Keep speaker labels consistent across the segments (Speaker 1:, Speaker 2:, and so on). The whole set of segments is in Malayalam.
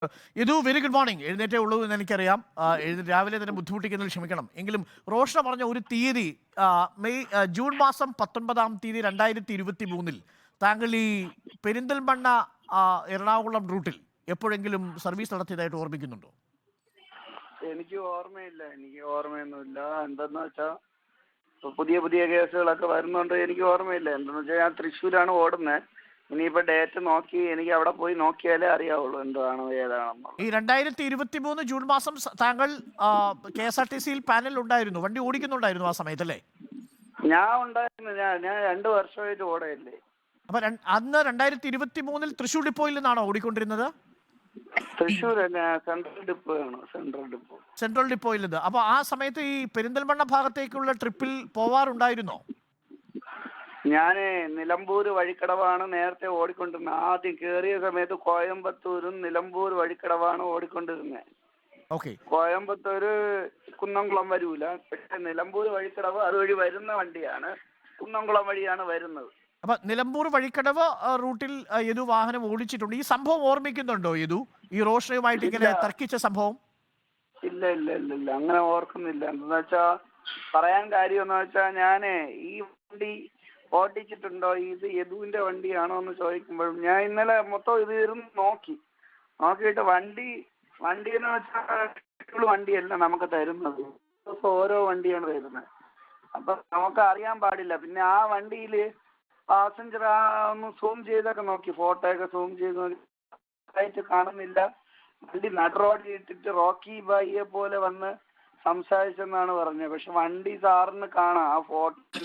Speaker 1: ഇത് വെരി ഗുഡ് മോർണിംഗ്. എഴുന്നേറ്റേ ഉള്ളൂ എന്ന് എനിക്കറിയാം. രാവിലെ തന്നെ ബുദ്ധിമുട്ടിക്കുന്നതിൽ ക്ഷമിക്കണം. എങ്കിലും റോഷന പറഞ്ഞ ഒരു തീയതി ജൂൺ മാസം 19-ാം തീയതി 2023 താങ്കൾ ഈ പെരിന്തൽമണ്ണ എറണാകുളം റൂട്ടിൽ എപ്പോഴെങ്കിലും സർവീസ് നടത്തിയതായിട്ട് ഓർമ്മിക്കുന്നുണ്ടോ?
Speaker 2: എനിക്ക് ഓർമ്മയൊന്നുമില്ല. എന്തെന്ന് വെച്ചാൽ പുതിയ പുതിയ കേസുകളൊക്കെ വരുന്നുണ്ട്. എനിക്ക് ഓർമ്മയില്ല. എന്തെന്ന് വെച്ചാൽ ഞാൻ തൃശ്ശൂരാണ് ഓടുന്നത്. ഇനിയിപ്പോ ഡേറ്റ് നോക്കി എനിക്ക് അവിടെ പോയി നോക്കിയാലേ അറിയാവുള്ളൂ എന്താണോ ഏതാണെന്നോ.
Speaker 1: ഈ 2023 ജൂൺ മാസം താങ്കൾ KSRTC പാനൽ ഉണ്ടായിരുന്നു, വണ്ടി ഓടിക്കുന്നുണ്ടായിരുന്നു ആ സമയത്തല്ലേ?
Speaker 2: ഞാൻ ഉണ്ടായിരുന്നു. ഞാൻ 2 വർഷമായിട്ട് ഓടയല്ലേ.
Speaker 1: അപ്പൊ അന്ന് 2023 തൃശ്ശൂർ ഡിപ്പോയിൽ നിന്നാണോ ഓടിക്കൊണ്ടിരുന്നത്?
Speaker 2: തൃശ്ശൂർ സെൻട്രൽ ഡിപ്പോ ആണ്.
Speaker 1: സെൻട്രൽ ഡിപ്പോയിൽ നിന്ന്. അപ്പൊ ആ സമയത്ത് ഈ പെരിന്തൽമണ്ണ ഭാഗത്തേക്കുള്ള ട്രിപ്പിൽ പോവാറുണ്ടായിരുന്നോ?
Speaker 2: ഞാന് നിലമ്പൂർ വഴിക്കടവാണ് നേരത്തെ ഓടിക്കൊണ്ടിരുന്നത്. ആദ്യം കേറിയ സമയത്ത് കോയമ്പത്തൂരും നിലമ്പൂർ വഴിക്കടവാണ് ഓടിക്കൊണ്ടിരുന്നത്. കോയമ്പത്തൂര് കുന്നംകുളം വരൂല, പക്ഷെ നിലമ്പൂർ വഴിക്കടവ് അതുവഴി വരുന്ന വണ്ടിയാണ്. കുന്നംകുളം വഴിയാണ് വരുന്നത്.
Speaker 1: അപ്പൊ നിലമ്പൂർ വഴിക്കടവ് റൂട്ടിൽ യദു വാഹനം ഓടിച്ചിട്ടുണ്ട്. ഈ സംഭവം ഓർമ്മിക്കുന്നുണ്ടോ യദു? ഈ റോഷനുമായിട്ട് ഇങ്ങനെ തർക്കിച്ച സംഭവം?
Speaker 2: ഇല്ല, അങ്ങനെ ഓർക്കുന്നില്ല. എന്താ വെച്ചാ പറയാൻ കാര്യം എന്ന് വെച്ചാ ഞാനേ ഈ വണ്ടി ഓടിച്ചിട്ടുണ്ടോ, ഇത് യദുവിന്റെ വണ്ടിയാണോ എന്ന് ചോദിക്കുമ്പോഴും ഞാൻ ഇന്നലെ മൊത്തം ഇത് ഇരുന്ന് നോക്കിയിട്ട് വണ്ടി എന്ന് വെച്ചാൽ വണ്ടിയല്ല നമുക്ക് തരുന്നത്. ഓരോ വണ്ടിയാണ് തരുന്നത്. അപ്പൊ നമുക്ക് അറിയാൻ പാടില്ല. പിന്നെ ആ വണ്ടിയില് പാസഞ്ചർ ഒന്ന് സൂം ചെയ്തൊക്കെ നോക്കി, ഫോട്ടോ ഒക്കെ സൂം ചെയ്ത് നോക്കി, കാണുന്നില്ല. വണ്ടി നടുറോഡിൽ ഇട്ടിട്ട് റോക്കി ബായിയെ പോലെ വന്ന് സംസാരിച്ചെന്നാണ് പറഞ്ഞത്. പക്ഷെ വണ്ടി സാറിന് കാണാം, ആ ഫോട്ടോയിൽ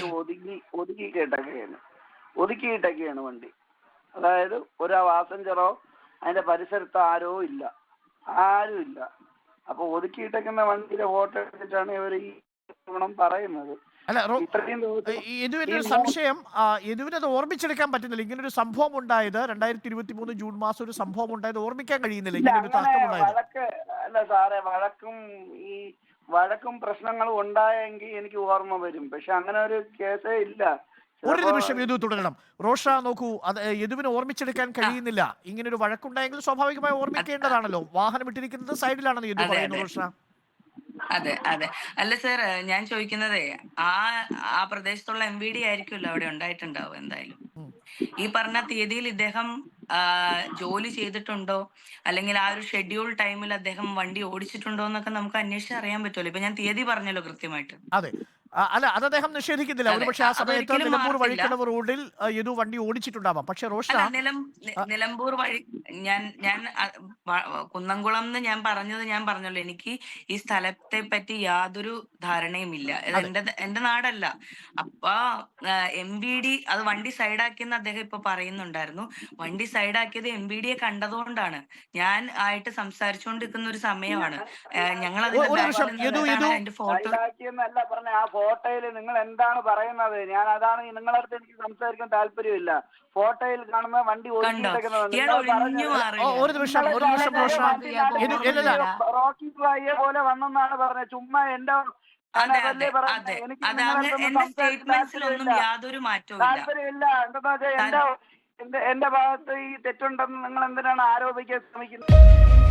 Speaker 2: ഒതുക്കിയിട്ടൊക്കെയാണ് വണ്ടി. അതായത് ഒരു പാസഞ്ചറോ അതിന്റെ പരിസരത്ത് ആരും ഇല്ല. അപ്പൊ ഒതുക്കിയിട്ടേക്കുന്ന വണ്ടിയുടെ ഫോട്ടോ എടുത്തിട്ടാണ് ഇവർ ഈ പറയുന്നത്.
Speaker 1: അല്ല, യദുവിന്റെ സംശയം, യദുവിനത് ഓർമ്മിച്ചെടുക്കാൻ പറ്റുന്നില്ല. ഇങ്ങനൊരു സംഭവം ഉണ്ടായത് 2023 ജൂൺ മാസം ഒരു സംഭവം ഉണ്ടായത് ഓർമ്മിക്കാൻ കഴിയുന്നില്ല. ഇങ്ങനൊരു
Speaker 2: അല്ല സാറേ, വഴക്കും പ്രശ്നങ്ങളും ഉണ്ടായെങ്കിൽ എനിക്ക് ഓർമ്മ വരും. പക്ഷെ അങ്ങനെ ഒരു കേസേ ഇല്ല.
Speaker 1: ഒരു നിമിഷം യദു തുടരണം. റോഷ നോക്കൂ, അത് യദുവിന് ഓർമ്മിച്ചെടുക്കാൻ കഴിയുന്നില്ല. ഇങ്ങനൊരു വഴക്കുണ്ടായെങ്കിൽ സ്വാഭാവികമായി ഓർമ്മിക്കേണ്ടതാണല്ലോ. വാഹനം ഇട്ടിരിക്കുന്നത് സൈഡിലാണെന്ന് യദു പറയുന്നു. റോഷ
Speaker 3: അതെ. അല്ല സർ, ഞാൻ ചോദിക്കുന്നതേ ആ പ്രദേശത്തുള്ള MVD ആയിരിക്കുമല്ലോ അവിടെ ഉണ്ടായിട്ടുണ്ടാവും. എന്തായാലും ഈ പറഞ്ഞ തീയതിയിൽ ഇദ്ദേഹം ജോലി ചെയ്തിട്ടുണ്ടോ, അല്ലെങ്കിൽ ആ ഒരു ഷെഡ്യൂൾ ടൈമിൽ അദ്ദേഹം വണ്ടി ഓടിച്ചിട്ടുണ്ടോ എന്നൊക്കെ നമുക്ക് അന്വേഷിച്ച് അറിയാൻ പറ്റുമല്ലോ. ഇപ്പൊ ഞാൻ തീയതി പറഞ്ഞല്ലോ കൃത്യമായിട്ട്.
Speaker 1: അതെ, അല്ല, അത് അദ്ദേഹം നിഷേധിക്കുന്നില്ല. ഒരുപക്ഷെ ആ സമയത്ത് നിലമ്പൂർ വഴിക്കടവ് റോഡിൽ യദു വണ്ടി ഓടിച്ചിട്ടുണ്ടാവാം. പക്ഷെ റോഷ
Speaker 3: നിലമ്പൂർ വഴി ഞാൻ കുന്നംകുളം എന്ന് ഞാൻ പറഞ്ഞല്ലോ, എനിക്ക് ഈ സ്ഥലത്തെ പറ്റി യാതൊരു ധാരണയുമില്ല. എന്റെ നാടല്ല. അപ്പൊ MVD അത് വണ്ടി സൈഡാക്കിയെന്ന് അദ്ദേഹം ഇപ്പൊ പറയുന്നുണ്ടായിരുന്നു. വണ്ടി സൈഡാക്കിയത് MVD യെ കണ്ടതുകൊണ്ടാണ്. ഞാൻ ആയിട്ട് സംസാരിച്ചുകൊണ്ടിരിക്കുന്ന ഒരു സമയമാണ്. ഞങ്ങൾ അതിന്റെ ഫോട്ടോ
Speaker 2: ആ ഫോട്ടോയിൽ നിങ്ങൾ എന്താണ് പറയുന്നത്? ഞാൻ അതാണ് നിങ്ങളുടെ അടുത്ത് എനിക്ക് സംസാരിക്കാൻ താല്പര്യമില്ല. ഫോട്ടോയിൽ കാണുന്ന വണ്ടി റോക്കി ബായിയെ പോലെ വന്നെന്നാണ് പറഞ്ഞത്. ചുമ്മാ എന്റെ
Speaker 3: യാതൊരു മാറ്റവും
Speaker 2: താല്പര്യമില്ല. എന്താ വെച്ചാൽ എന്റെ ഭാഗത്ത് ഈ തെറ്റുണ്ടെന്ന് നിങ്ങൾ എന്തിനാണ് ആരോപിക്കാൻ ശ്രമിക്കുന്നത്?